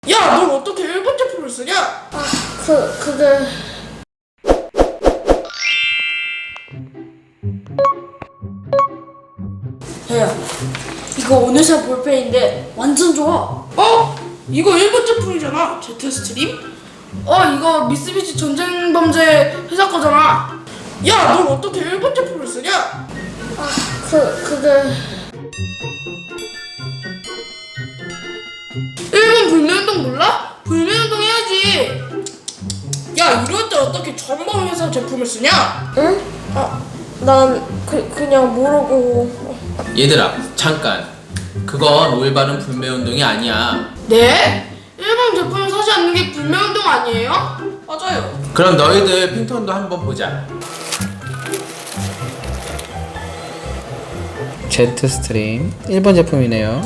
야, 넌 어떻게 일본 제품을 쓰냐? 그게... 야, 이거 오늘 산 볼펜인데 완전 좋아. 어? 이거 일본 제품이잖아. 제트스트림? 이거 미쓰비시 전쟁범죄 회사 거잖아. 야, 넌 어떻게 일본 제품을 쓰냐? 그게... 일본 불매운동 몰라? 불매운동 해야지. 야, 이럴 때 어떻게 전범 회사 제품을 쓰냐? 응? 난 그냥 모르고... 얘들아, 잠깐. 그건 올바른 불매운동이 아니야. 네? 일본 제품을 사지 않는 게 불매운동 아니에요? 맞아요. 그럼 너희들 핑톤도 한번 보자. 제트스트림 일본 제품이네요.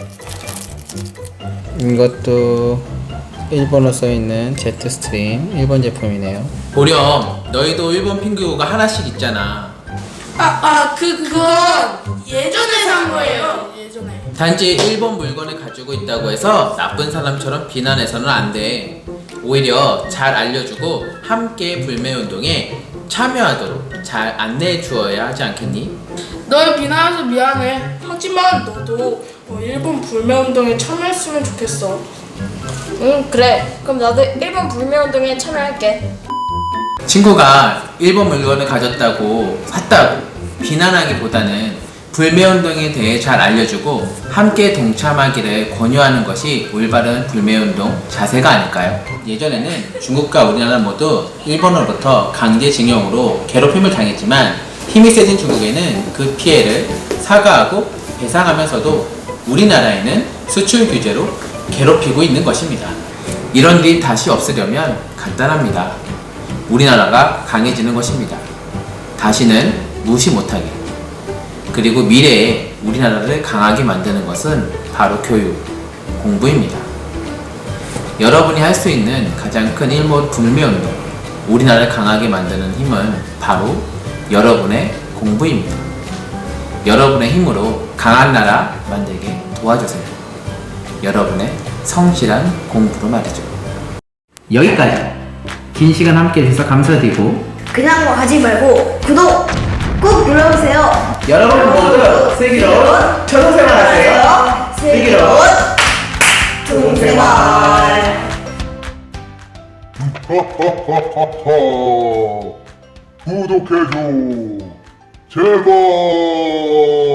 이것도 일본어 써있는 제트스트림 일본 제품이네요. 보렴, 너희도 일본 핑구가 하나씩 있잖아. 그건 예전에 산 거예요. 예전에. 단지 일본 물건을 가지고 있다고 해서 나쁜 사람처럼 비난해서는 안 돼. 오히려 잘 알려주고 함께 불매운동에 참여하도록 잘 안내해 주어야 하지 않겠니? 널 비난해서 미안해. 하지만 너도 일본 불매운동에 참여했으면 좋겠어. 응, 그래. 그럼 나도 일본 불매운동에 참여할게. 친구가 일본 물건을 가졌다고 샀다고 비난하기보다는 불매운동에 대해 잘 알려주고 함께 동참하기를 권유하는 것이 올바른 불매운동 자세가 아닐까요? 예전에는 중국과 우리나라 모두 일본으로부터 강제징용으로 괴롭힘을 당했지만 힘이 세진 중국에는 그 피해를 사과하고 배상하면서도 우리나라에는 수출 규제로 괴롭히고 있는 것입니다. 이런 일이 다시 없으려면 간단합니다. 우리나라가 강해지는 것입니다. 다시는 무시 못하게. 그리고 미래에 우리나라를 강하게 만드는 것은 바로 교육, 공부입니다. 여러분이 할 수 있는 가장 큰 일본 불매운동, 우리나라를 강하게 만드는 힘은 바로 여러분의 공부입니다. 여러분의 힘으로 강한 나라 만들게 도와주세요. 여러분의 성실한 공부로 말이죠. 여기까지. 긴 시간 함께 해주셔서 감사드리고 그냥 뭐 하지 말고 구독 꾹 눌러주세요. 여러분 모두 슬기로운 초등생활 하세요. 슬기로운 초등생활. 구독해줘 제발.